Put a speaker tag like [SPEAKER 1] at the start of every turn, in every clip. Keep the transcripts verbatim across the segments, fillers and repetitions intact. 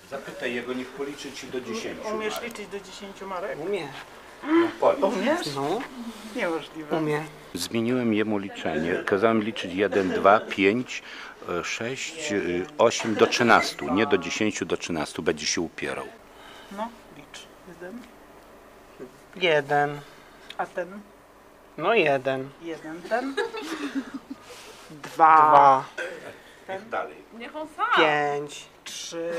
[SPEAKER 1] Zapytaj jego, niech policzy ci do dziesięciu.
[SPEAKER 2] Umiesz
[SPEAKER 1] Marek.
[SPEAKER 2] liczyć do dziesięciu, Marek?
[SPEAKER 3] Umie.
[SPEAKER 1] No, policz.
[SPEAKER 2] Umiesz?
[SPEAKER 3] No,
[SPEAKER 2] Niemożliwe.
[SPEAKER 3] umie.
[SPEAKER 1] Zmieniłem jemu liczenie. Kazałem liczyć jeden, dwa, pięć, sześć, osiem do trzynastu. Nie do dziesięciu, do trzynastu. Będzie się upierał.
[SPEAKER 2] No, licz. Jeden.
[SPEAKER 3] Jeden.
[SPEAKER 2] A ten?
[SPEAKER 3] No jeden.
[SPEAKER 2] Jeden. Ten? Dwa.
[SPEAKER 3] Dwa.
[SPEAKER 1] Niech dalej.
[SPEAKER 2] Niech on sam.
[SPEAKER 3] Pięć.
[SPEAKER 2] Trzy.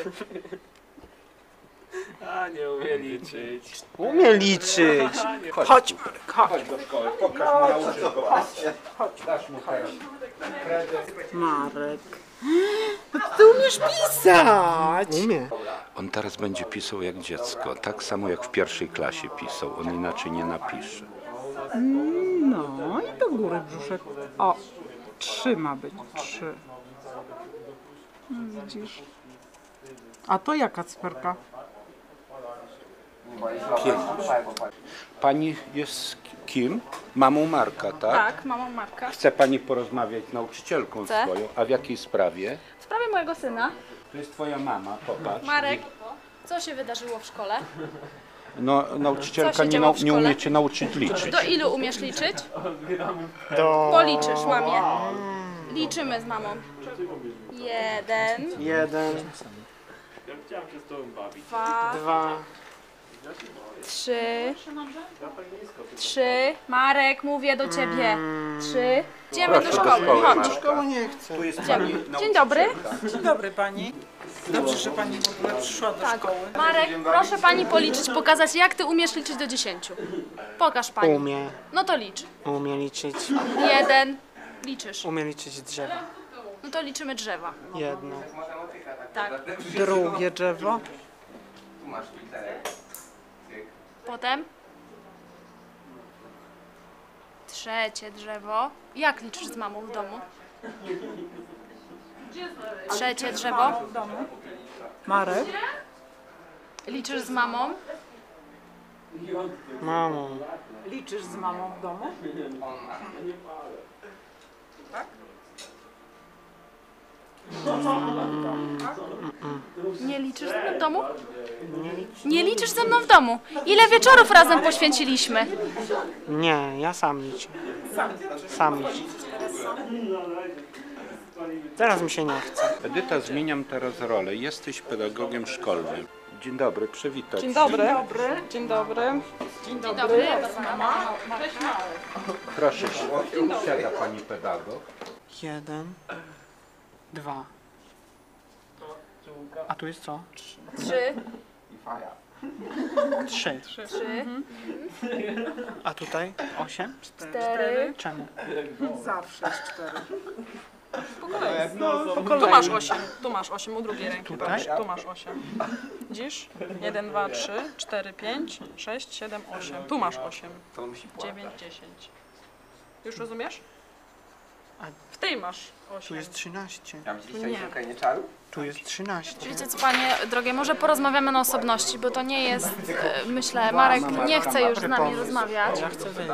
[SPEAKER 4] A, nie umie liczyć.
[SPEAKER 3] Umie liczyć.
[SPEAKER 1] Chodź,
[SPEAKER 2] Chodź,
[SPEAKER 1] Marek,
[SPEAKER 2] chodź.
[SPEAKER 1] chodź do szkoły. Pokaż mu, nauczysz go.
[SPEAKER 2] Chodź.
[SPEAKER 1] Dasz mu teraz kredyt.
[SPEAKER 2] Marek. No ty umiesz pisać.
[SPEAKER 3] Umie.
[SPEAKER 1] On teraz będzie pisał jak dziecko. Tak samo jak w pierwszej klasie pisał. On inaczej nie napisze.
[SPEAKER 2] No i do góry brzuszek. O, trzy ma być. Trzy. No, widzisz. A to jaka cyferka?
[SPEAKER 1] Pięć. Pani jest kim? Mamą Marka, tak?
[SPEAKER 5] Tak, mamą Marka.
[SPEAKER 1] Chce pani porozmawiać z nauczycielką
[SPEAKER 5] Chcę.
[SPEAKER 1] swoją. A w jakiej sprawie?
[SPEAKER 5] W sprawie mojego syna.
[SPEAKER 1] To jest twoja mama, popatrz.
[SPEAKER 5] Marek, co się wydarzyło w szkole?
[SPEAKER 1] No, nauczycielka
[SPEAKER 5] Co się
[SPEAKER 1] nie,
[SPEAKER 5] działo
[SPEAKER 1] nau
[SPEAKER 5] w
[SPEAKER 1] nie
[SPEAKER 5] szkole?
[SPEAKER 1] umie cię nauczyć liczyć.
[SPEAKER 5] Do ilu umiesz liczyć?
[SPEAKER 3] Do...
[SPEAKER 5] Policzysz, łamie. Liczymy z mamą. Jeden,
[SPEAKER 3] Jeden.
[SPEAKER 4] Ja chciałem się z tobą bawić.
[SPEAKER 5] dwa,
[SPEAKER 3] Dwa.
[SPEAKER 5] trzy, trzy. Marek, mówię do ciebie. Trzy. Idziemy do
[SPEAKER 1] Proszę do
[SPEAKER 5] szkoły.
[SPEAKER 1] szkoły,
[SPEAKER 5] Chodź.
[SPEAKER 1] Marek.
[SPEAKER 3] Szkoły nie chcę.
[SPEAKER 1] Tu jest pani
[SPEAKER 5] Dzień dobry.
[SPEAKER 2] Dzień dobry pani. Dobrze, że pani w ogóle przyszła do szkoły.
[SPEAKER 5] Marek, proszę pani policzyć, pokazać, jak ty umiesz liczyć do dziesięciu. Pokaż pani.
[SPEAKER 3] Umie.
[SPEAKER 5] No to licz.
[SPEAKER 3] Umie liczyć.
[SPEAKER 5] Jeden. Liczysz.
[SPEAKER 3] Umie liczyć drzewa.
[SPEAKER 5] No to liczymy drzewa.
[SPEAKER 3] Jedno.
[SPEAKER 5] Tak.
[SPEAKER 2] Drugie drzewo.
[SPEAKER 5] Potem trzecie drzewo. Jak liczysz z mamą w domu? Trzecie drzewo.
[SPEAKER 2] W domu. Marek.
[SPEAKER 5] Liczysz z mamą?
[SPEAKER 3] Mamo.
[SPEAKER 2] Liczysz z mamą w domu?
[SPEAKER 5] Nie liczysz ze mną w domu? Nie liczysz ze mną w domu. Ile wieczorów razem poświęciliśmy?
[SPEAKER 3] Nie, ja sam liczę. Sam liczę. Teraz mi się nie chce.
[SPEAKER 1] Edyta, zmieniam teraz rolę. Jesteś pedagogiem szkolnym. Dzień dobry, przywitaj
[SPEAKER 6] Dzień
[SPEAKER 1] się.
[SPEAKER 6] dobry. Dzień dobry.
[SPEAKER 5] Dzień dobry. Mama.
[SPEAKER 1] Proszę się. Siada pani pedagog.
[SPEAKER 3] Jeden. Dwa. A tu jest co?
[SPEAKER 5] Trzy.
[SPEAKER 3] Trzy.
[SPEAKER 5] Trzy.
[SPEAKER 3] A tutaj? Osiem?
[SPEAKER 5] Cztery.
[SPEAKER 3] Czemu?
[SPEAKER 2] Zawsze jest cztery.
[SPEAKER 6] Tu masz osiem. Tu masz osiem u drugiej ręki.
[SPEAKER 3] Tutaj?
[SPEAKER 6] Patrz, tu masz osiem. Widzisz? jeden, dwa, trzy, cztery, pięć, sześć, siedem, osiem. Tu masz osiem. dziewięć, dziesięć. Już rozumiesz? W tej masz
[SPEAKER 3] Tu
[SPEAKER 6] osiem.
[SPEAKER 3] jest trzynaście.
[SPEAKER 6] Nie.
[SPEAKER 3] Tu jest trzynaście.
[SPEAKER 5] Wiecie co, panie drogie, może porozmawiamy na osobności, bo to nie jest, e, myślę, Marek nie chce już z nami rozmawiać.
[SPEAKER 3] Ja chcę wyjść.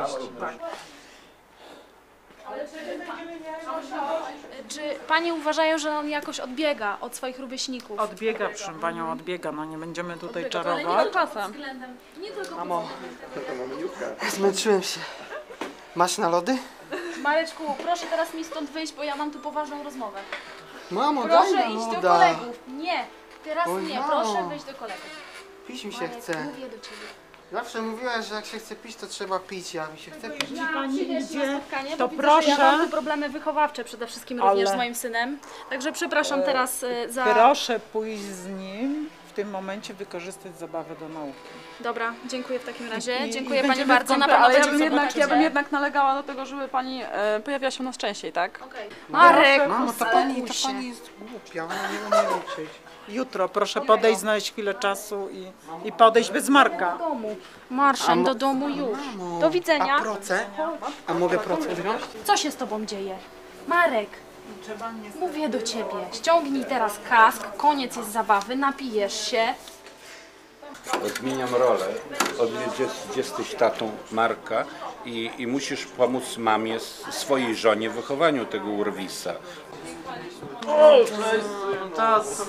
[SPEAKER 5] Czy pani uważają, że on jakoś odbiega od swoich rówieśników?
[SPEAKER 2] Odbiega, proszę panią, odbiega. No nie będziemy tutaj
[SPEAKER 5] Ale nie
[SPEAKER 2] czarować.
[SPEAKER 5] tylko pod względem, nie tylko pod
[SPEAKER 3] Mamo. Zmęczyłem się. Masz na lody?
[SPEAKER 5] Mareczku, proszę teraz mi stąd wyjść, bo ja mam tu poważną rozmowę.
[SPEAKER 3] Mamo,
[SPEAKER 5] Proszę
[SPEAKER 3] daj
[SPEAKER 5] iść
[SPEAKER 3] na
[SPEAKER 5] do
[SPEAKER 3] loda.
[SPEAKER 5] kolegów. Nie, teraz
[SPEAKER 3] Oj,
[SPEAKER 5] nie,
[SPEAKER 3] mamo.
[SPEAKER 5] proszę wyjść do kolegów.
[SPEAKER 3] Pić mi się
[SPEAKER 5] Marek,
[SPEAKER 3] chce.
[SPEAKER 5] mówię do ciebie.
[SPEAKER 3] Zawsze mówiłaś, że jak się chce pić, to trzeba pić, a mi się chce pić.
[SPEAKER 5] Ja
[SPEAKER 2] pani
[SPEAKER 5] przyjdę
[SPEAKER 2] idzie,
[SPEAKER 5] na spotkanie,
[SPEAKER 2] to
[SPEAKER 5] bo widzę,
[SPEAKER 2] proszę.
[SPEAKER 5] że ja mam tu problemy wychowawcze przede wszystkim również
[SPEAKER 2] Ale-
[SPEAKER 5] z moim synem. Także przepraszam teraz y, za...
[SPEAKER 2] Proszę pójść z nim, w tym momencie wykorzystać zabawę do nauki.
[SPEAKER 5] Dobra, dziękuję w takim razie.
[SPEAKER 2] I- i
[SPEAKER 5] dziękuję pani
[SPEAKER 2] będziemy
[SPEAKER 5] bardzo.
[SPEAKER 2] w
[SPEAKER 5] Na
[SPEAKER 2] kontakcie,
[SPEAKER 5] pewno
[SPEAKER 6] Ale ja
[SPEAKER 5] będziemy
[SPEAKER 6] bym,
[SPEAKER 5] w
[SPEAKER 6] jednak,
[SPEAKER 5] kontakcie.
[SPEAKER 6] ja bym jednak nalegała do tego, żeby pani e, pojawiała się u nas częściej, tak?
[SPEAKER 5] Okej. Marek,
[SPEAKER 3] Mamo, to pani, to
[SPEAKER 5] uspokój
[SPEAKER 3] pani
[SPEAKER 5] się.
[SPEAKER 3] jest głupia, ona nie umie liczyć.
[SPEAKER 2] Jutro proszę podejść, znaleźć chwilę czasu i, i podejść bez Marka.
[SPEAKER 5] Do domu. Marszem do domu już.
[SPEAKER 3] Mamo,
[SPEAKER 5] Do widzenia.
[SPEAKER 3] A proce? A mogę proce wziąć?
[SPEAKER 5] Co się z tobą dzieje? Marek, mówię do ciebie. Ściągnij teraz kask, koniec jest zabawy, napijesz się.
[SPEAKER 1] Zmieniam rolę. Odwiedziesz, jesteś tatą Marka i, i musisz pomóc mamie, swojej żonie w wychowaniu tego urwisa.
[SPEAKER 4] O, cześć, czas.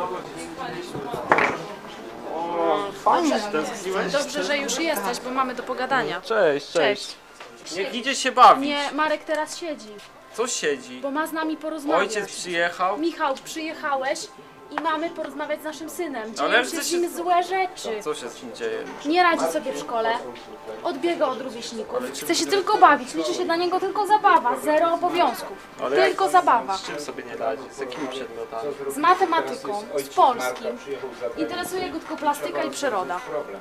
[SPEAKER 4] Fajnie, stęskniłeś?
[SPEAKER 5] Dobrze, że już jesteś, bo mamy do pogadania.
[SPEAKER 4] Cześć, cześć.
[SPEAKER 5] Cześć.
[SPEAKER 4] Niech idzie się bawić.
[SPEAKER 5] Nie, Marek teraz siedzi,
[SPEAKER 4] Co siedzi?
[SPEAKER 5] bo ma z nami porozmawiać.
[SPEAKER 4] Ojciec przyjechał.
[SPEAKER 5] Michał, przyjechałeś i mamy porozmawiać z naszym synem. Dzieją
[SPEAKER 4] Ale
[SPEAKER 5] się
[SPEAKER 4] przecież-
[SPEAKER 5] z nim złe rzeczy.
[SPEAKER 4] Co się z nim dzieje?
[SPEAKER 5] Nie radzi sobie w szkole, odbiega od rówieśników, chce się tylko bawić, liczy się dla niego tylko zabawa, zero obowiązków,
[SPEAKER 4] Ale
[SPEAKER 5] tylko
[SPEAKER 4] jak-
[SPEAKER 5] zabawa.
[SPEAKER 4] Z czym sobie nie radzi? Z jakimi przedmiotami?
[SPEAKER 5] Z matematyką, z polskim, interesuje go tylko plastyka i przyroda.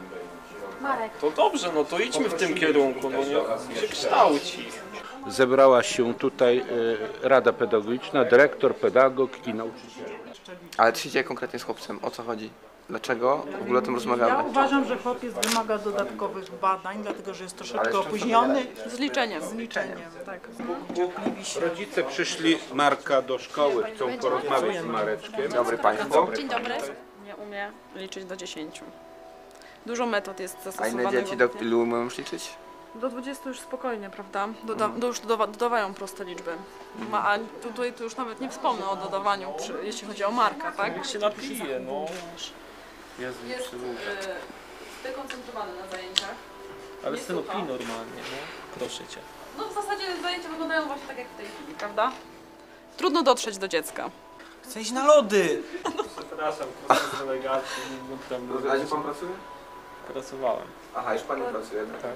[SPEAKER 5] Marek,
[SPEAKER 4] To dobrze, no to idźmy w tym kierunku, no niech się kształci.
[SPEAKER 1] Zebrała się tutaj e, Rada Pedagogiczna, dyrektor, pedagog i nauczyciel.
[SPEAKER 3] Ale czy idzie konkretnie z chłopcem? O co chodzi? Dlaczego w ogóle o tym
[SPEAKER 2] Ja
[SPEAKER 3] rozmawiamy?
[SPEAKER 2] uważam, że chłopiec wymaga dodatkowych badań, dlatego że jest
[SPEAKER 3] Ale
[SPEAKER 2] troszeczkę
[SPEAKER 3] z czym to
[SPEAKER 2] opóźniony.
[SPEAKER 6] Z liczeniem.
[SPEAKER 2] Z liczeniem, tak. Cierpliwi się.
[SPEAKER 1] Rodzice przyszli Marka do szkoły, chcą porozmawiać z Mareczkiem.
[SPEAKER 3] Dobry państwo.
[SPEAKER 5] dzień dobry.
[SPEAKER 6] Nie umie liczyć do dziesięciu. Dużo metod jest
[SPEAKER 3] A
[SPEAKER 6] zastosowanych.
[SPEAKER 3] inne dzieci do ilu umieją już liczyć?
[SPEAKER 6] Do dwudziestu już spokojnie, prawda? Doda, do już dodawa, dodawają proste liczby. Ma, a tutaj to już nawet nie wspomnę o dodawaniu, przy, jeśli chodzi o Marka, tak?
[SPEAKER 4] Jak się napije, no. Jezu,
[SPEAKER 6] Jest
[SPEAKER 4] przyłóż.
[SPEAKER 6] y, zdekoncentrowany na zajęciach.
[SPEAKER 4] Ale
[SPEAKER 6] nie
[SPEAKER 4] synu,
[SPEAKER 6] słucha.
[SPEAKER 4] pij normalnie, no. Proszę cię.
[SPEAKER 6] No w zasadzie zajęcia wyglądają właśnie tak jak w tej chwili, prawda? Trudno dotrzeć do dziecka.
[SPEAKER 7] Chcę iść na lody!
[SPEAKER 4] Przepraszam, proszę z delegacji. No, tam
[SPEAKER 3] A gdzie pan pracuje?
[SPEAKER 4] pracowałem.
[SPEAKER 3] Aha, już pan nie pracuje.
[SPEAKER 4] Tak.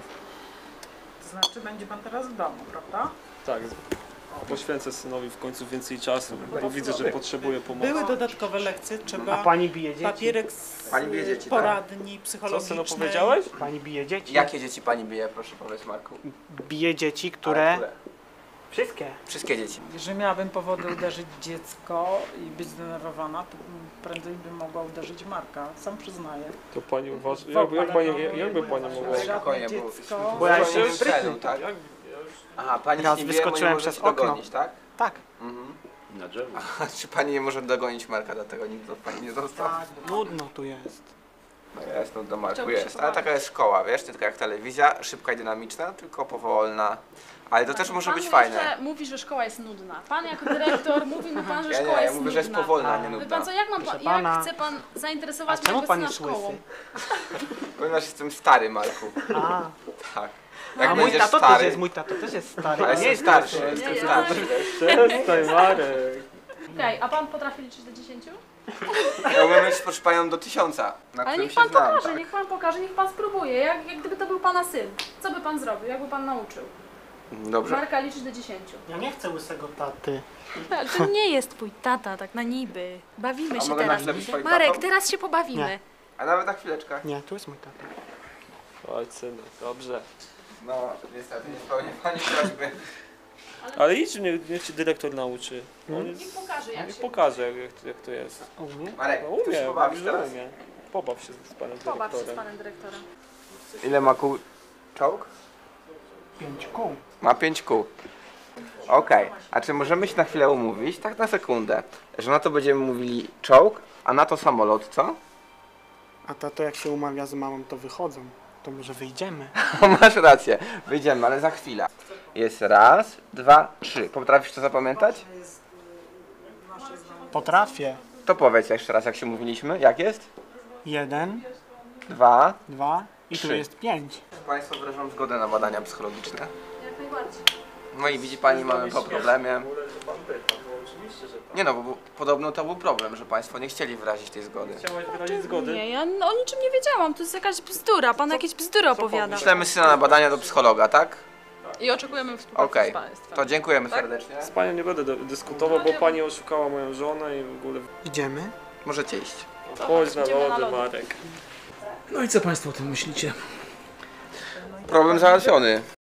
[SPEAKER 2] To znaczy będzie pan teraz w domu, prawda?
[SPEAKER 4] Tak. Poświęcę synowi w końcu więcej czasu, bo widzę, że potrzebuje pomocy.
[SPEAKER 2] Były dodatkowe lekcje, trzeba
[SPEAKER 7] A pani bije dzieci?
[SPEAKER 2] papierek z
[SPEAKER 3] Pani bije dzieci, tak?
[SPEAKER 2] poradni
[SPEAKER 4] Co
[SPEAKER 2] psychologicznej.
[SPEAKER 4] synu powiedziałeś?
[SPEAKER 7] Pani bije dzieci?
[SPEAKER 3] Jakie dzieci pani bije, proszę powiedzieć, Marku?
[SPEAKER 7] Bije dzieci,
[SPEAKER 3] Ale
[SPEAKER 7] które... Wszystkie.
[SPEAKER 3] Wszystkie dzieci.
[SPEAKER 2] Jeżeli miałabym powody uderzyć dziecko i być zdenerwowana, to prędzej bym mogła uderzyć Marka, sam przyznaję.
[SPEAKER 4] To pani uważa, jak, jak pani, jakby pani mogła...
[SPEAKER 3] Spokojnie, bo...
[SPEAKER 2] Dziecko.
[SPEAKER 7] Bo ja
[SPEAKER 3] Zupełnie
[SPEAKER 7] się
[SPEAKER 3] w celu,
[SPEAKER 7] sprytny.
[SPEAKER 3] tak?
[SPEAKER 4] Jak,
[SPEAKER 3] Aha, pani
[SPEAKER 7] Raz
[SPEAKER 3] nie wie, bo nie
[SPEAKER 7] wyskoczyłem
[SPEAKER 3] może
[SPEAKER 7] przez
[SPEAKER 3] się
[SPEAKER 7] okno.
[SPEAKER 3] dogonić, tak?
[SPEAKER 7] Tak.
[SPEAKER 3] Mhm.
[SPEAKER 1] Na drzewo.
[SPEAKER 3] A czy pani nie może dogonić Marka, dlatego nikt od pani nie został?
[SPEAKER 2] Tak,
[SPEAKER 7] Nudno tu jest.
[SPEAKER 3] No jest, no do Marku
[SPEAKER 6] Chciałbyś się
[SPEAKER 3] jest. Ale taka jest szkoła, wiesz, nie tylko jak telewizja, szybka i dynamiczna, tylko powolna. Ale to też może
[SPEAKER 5] Pan
[SPEAKER 3] być
[SPEAKER 5] mu
[SPEAKER 3] fajne.
[SPEAKER 5] jeszcze mówi, że szkoła jest nudna. Pan jako dyrektor mówi mi pan, że
[SPEAKER 3] Ja
[SPEAKER 5] szkoła
[SPEAKER 3] nie, ja
[SPEAKER 5] jest
[SPEAKER 3] mówię, że jest
[SPEAKER 5] nudna.
[SPEAKER 3] powolna, a nie
[SPEAKER 5] Wie
[SPEAKER 3] nudna.
[SPEAKER 5] pan co, jak, mam pa,
[SPEAKER 7] Proszę
[SPEAKER 5] jak
[SPEAKER 7] pana.
[SPEAKER 5] chce pan
[SPEAKER 7] A
[SPEAKER 5] zainteresować
[SPEAKER 7] czemu
[SPEAKER 5] mojego
[SPEAKER 7] pan
[SPEAKER 5] syna
[SPEAKER 7] jest
[SPEAKER 5] szkołą?
[SPEAKER 7] łysy?
[SPEAKER 3] Ponieważ jestem stary, Marku.
[SPEAKER 7] A,
[SPEAKER 3] Tak. Jak
[SPEAKER 7] a mój
[SPEAKER 3] będziesz
[SPEAKER 7] tato
[SPEAKER 3] stary,
[SPEAKER 7] też jest, mój tato też jest stary.
[SPEAKER 3] ale
[SPEAKER 7] a nie
[SPEAKER 3] jestem
[SPEAKER 7] jest
[SPEAKER 3] starszy,
[SPEAKER 7] łysy.
[SPEAKER 3] jestem
[SPEAKER 5] Nie,
[SPEAKER 3] starszy.
[SPEAKER 4] Przestań, Marek.
[SPEAKER 5] Okej, a pan potrafi liczyć do dziesięciu?
[SPEAKER 3] Ja umiem mieć proszę panią do tysiąca, na
[SPEAKER 5] Ale
[SPEAKER 3] którym
[SPEAKER 5] niech
[SPEAKER 3] się
[SPEAKER 5] pan
[SPEAKER 3] znam.
[SPEAKER 5] pokaże,
[SPEAKER 3] Tak.
[SPEAKER 5] niech pan pokaże, niech pan spróbuje. Jak, jak gdyby to był pana syn. Co by pan zrobił? Jak by pan nauczył?
[SPEAKER 3] Dobrze.
[SPEAKER 5] Marka liczyć do dziesięciu.
[SPEAKER 7] Ja nie chcę łysego taty.
[SPEAKER 5] Ale to nie jest twój tata, tak na niby. Bawimy
[SPEAKER 3] A
[SPEAKER 5] się
[SPEAKER 3] mogę na
[SPEAKER 5] teraz.
[SPEAKER 3] chwilę być twoim
[SPEAKER 5] Marek,
[SPEAKER 3] tatą?
[SPEAKER 5] teraz się pobawimy.
[SPEAKER 7] Nie.
[SPEAKER 3] A nawet na chwileczkę.
[SPEAKER 7] Nie, tu jest mój tata.
[SPEAKER 4] Oj, synu, dobrze.
[SPEAKER 3] No, niestety, nie spełnię pani prośby.
[SPEAKER 4] Ale idź, niech, niech ci dyrektor nauczy. On jest,
[SPEAKER 5] Niech pokaże jak
[SPEAKER 4] niech
[SPEAKER 5] się.
[SPEAKER 4] pokaże, jak, jak, jak to jest.
[SPEAKER 7] O mnie?
[SPEAKER 3] Marek,
[SPEAKER 4] No
[SPEAKER 3] chcesz się
[SPEAKER 4] umie,
[SPEAKER 3] pobawić
[SPEAKER 4] że
[SPEAKER 3] teraz?
[SPEAKER 4] umie. Pobaw się z panem
[SPEAKER 5] Pobaw się z
[SPEAKER 4] dyrektorem.
[SPEAKER 5] panem dyrektorem.
[SPEAKER 3] Ile ma kół czołg?
[SPEAKER 7] Pięć kół.
[SPEAKER 3] Ma pięć kół. Okej, a czy możemy się na chwilę umówić, tak na sekundę, że na to będziemy mówili czołg, a na to samolot, co?
[SPEAKER 7] A tato jak się umawia z mamą, to wychodzą. To może wyjdziemy.
[SPEAKER 3] Masz rację, wyjdziemy, ale za chwilę. Jest raz, dwa, trzy. Potrafisz to zapamiętać?
[SPEAKER 7] Potrafię.
[SPEAKER 3] To powiedz jeszcze raz, jak się mówiliśmy. Jak jest?
[SPEAKER 7] Jeden,
[SPEAKER 3] Dwa.
[SPEAKER 7] dwa i tu
[SPEAKER 3] Trzy.
[SPEAKER 7] jest pięć.
[SPEAKER 3] Państwo wyrażam zgodę na badania psychologiczne.
[SPEAKER 5] Jak najbardziej.
[SPEAKER 3] No i widzi pani, mamy po problemie. Nie no, bo bo podobno to był problem, że państwo nie chcieli wyrazić tej zgody.
[SPEAKER 4] Chciałaś wyrazić zgody?
[SPEAKER 5] Nie, ja o niczym nie wiedziałam. To jest jakaś bzdura. Pan jakieś bzdury opowiada.
[SPEAKER 3] Wyślemy syna na badania do psychologa, tak?
[SPEAKER 6] I oczekujemy współpracy
[SPEAKER 3] Okej,
[SPEAKER 6] z państwem.
[SPEAKER 3] to dziękujemy
[SPEAKER 6] Tak?
[SPEAKER 3] serdecznie.
[SPEAKER 4] Z panią nie będę do- dyskutował, bo pani oszukała moją żonę i w ogóle...
[SPEAKER 7] Idziemy?
[SPEAKER 3] Możecie iść.
[SPEAKER 4] Chodź na
[SPEAKER 5] idziemy na
[SPEAKER 4] lody,
[SPEAKER 5] lody.
[SPEAKER 4] Marek. No i co państwo o tym myślicie?
[SPEAKER 3] Problem załatwiony.